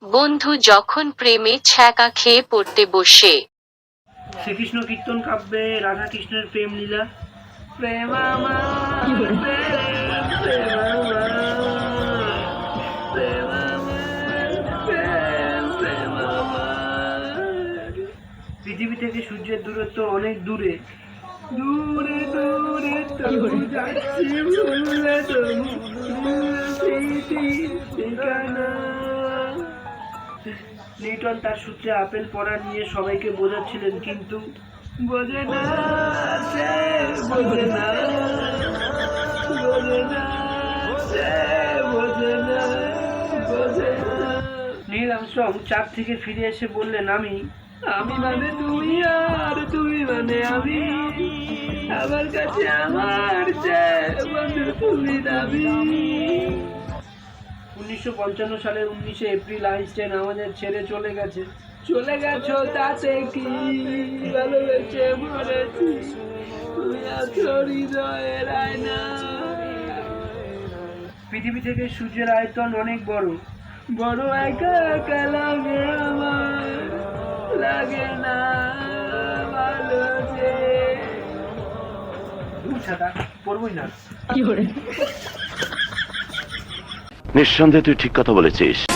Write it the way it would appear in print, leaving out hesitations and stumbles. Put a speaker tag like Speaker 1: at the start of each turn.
Speaker 1: বন্ধু যখন প্রেমে ছ্যাঁকা খেয়ে পড়তে বসে।
Speaker 2: শ্রীকৃষ্ণ কীর্তন কাব্যে রাধা কৃষ্ণের প্রেম লীলা। প্রেম আমার, প্রেম, প্রেম আমার, প্রেম আমার, প্রেম, প্রেম আমার। পৃথিবী থেকে সূর্যের দূরত্ব অনেক দূরে, দূরে দূরে তবু যাচ্ছি ভুলে তবু স্মৃতির ঠিকানা। নিউটন তার সূত্রে আপেল পড়া নিয়ে সবাইকে বোঝাচ্ছিলেন, কিন্তু বোঝে না, সে বোঝে না, বোঝে না, সে বোঝে না, বোঝে না। নীল আর্মস্ট্রং চাঁদ থেকে ফিরে এসে বললেন, আমি মানে তুই আর তুই মানে আমি, আমার কাছে আমার চেয়ে বন্ধু তুমি দাবি। 1955 সালের 19শে এপ্রিল আইনস্টাইন আমাদের ছেড়ে চলে গেছে। চলে গেছো তাতে কি, ভালোবেসে মরেছি, তুমি আছো হৃদয়ের আয়না। পৃথিবী থেকে সূর্যের আয়তন অনেক বড়, বড় একা একা লাগে আমার, লাগে না ভালো যে। ছাতা পড়বই না।
Speaker 3: নিঃসন্দেহে তুই ঠিক কথা বলেছিস।